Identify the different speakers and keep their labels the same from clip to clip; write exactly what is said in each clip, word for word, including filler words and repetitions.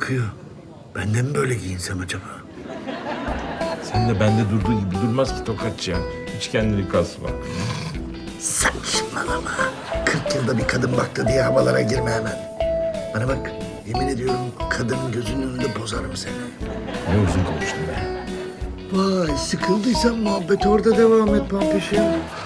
Speaker 1: bakıyor. Ben de mi böyle giyinsem acaba?
Speaker 2: Sen de bende durduğu gibi durmaz ki tokatçı ya. Hiç kendini kasma.
Speaker 1: Saçmalama. kırk yılda bir kadın baktı diye havalara girme hemen. Bana bak, yemin ediyorum kadının gözünün önünde bozarım seni.
Speaker 2: Ne uzun konuştun be.
Speaker 1: Vay, sıkıldıysan muhabbet orada devam et Pampişim.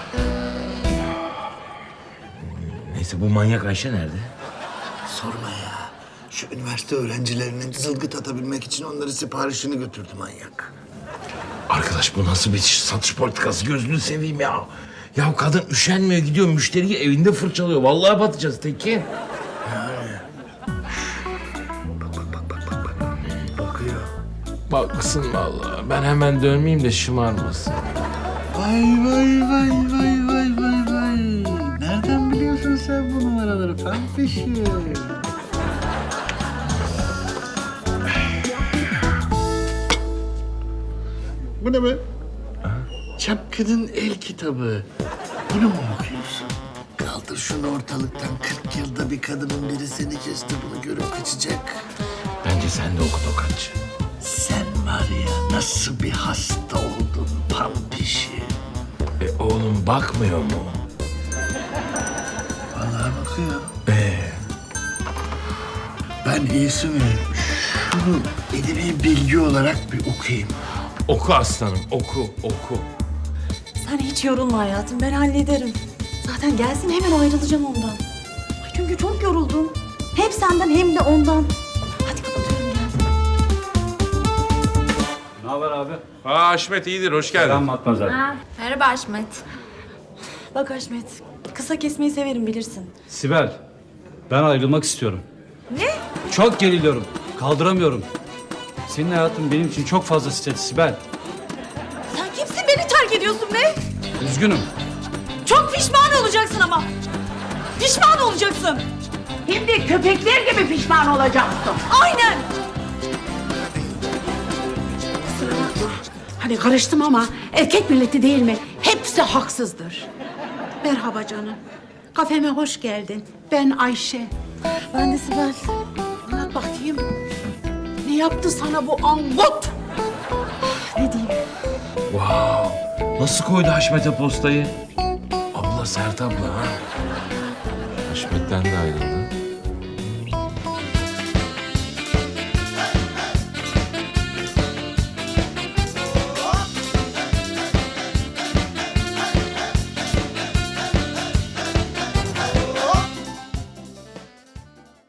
Speaker 2: Neyse bu manyak Ayşe nerede?
Speaker 1: Sorma ya. Şu üniversite öğrencilerinin zılgıt atabilmek için onları siparişini götürdü manyak.
Speaker 2: Arkadaş bu nasıl bir satış politikası, gözünü seveyim ya. Ya kadın üşenmiyor, gidiyor müşteriyi evinde fırçalıyor. Vallahi batacağız Tekin.
Speaker 1: Bak bak bak bak bak bak. Bakıyor.
Speaker 2: Baksın vallahi. Ben hemen dönmeyeyim de şımarmasın.
Speaker 1: Vay vay vay vay vay vay vay. Nereden biliyorsun sen bu numaraları Pampişim? Bu ne be? Çapkının el kitabı. Bunu mu okuyorsun? Kaldır şunu ortalıktan. kırk yılda bir kadının biri seni kesti. Bunu görüp kaçacak.
Speaker 2: Bence sen de oku tokatçı.
Speaker 1: Sen var ya nasıl bir hasta oldun Pampişim.
Speaker 2: E oğlum bakmıyor mu?
Speaker 1: Vallahi bakıyor.
Speaker 2: Ee,
Speaker 1: Ben iyisi mi? Şunu edebi bilgi olarak bir okuyayım.
Speaker 2: oku aslanım, oku, oku.
Speaker 3: Sen hiç yorulma hayatım, ben hallederim. Zaten gelsin hemen ayrılacağım ondan. Ay çünkü çok yoruldum. Hem senden hem de ondan. Hadi kapatıyorum gel.
Speaker 4: Ne haber abi?
Speaker 2: Aa Haşmet iyidir, hoş geldin.
Speaker 4: Ben Matmazel.
Speaker 5: Merhaba Haşmet.
Speaker 3: Bak Haşmet, kısa kesmeyi severim bilirsin.
Speaker 4: Sibel, ben ayrılmak istiyorum.
Speaker 5: Ne?
Speaker 4: Çok geriliyorum, kaldıramıyorum. Senin hayatın benim için çok fazla stres Sibel.
Speaker 3: Sen kimsin beni terk ediyorsun be?
Speaker 4: Üzgünüm.
Speaker 3: Çok pişman olacaksın ama. Pişman olacaksın.
Speaker 6: Hem de köpekler gibi pişman olacaksın.
Speaker 3: Aynen.
Speaker 6: Kusura bakma. Hani karıştım ama erkek milleti değil mi? Hepsi haksızdır. Merhaba canım. Kafeme hoş geldin. Ben Ayşe.
Speaker 3: Ben de Sibel.
Speaker 6: Anlat bakayım. Ne yaptı sana bu angut?
Speaker 3: Ne diyeyim?
Speaker 2: Wow, nasıl koydu Haşmet'e postayı? Abla Sert abla ha. Haşmet'ten de ayrıldı.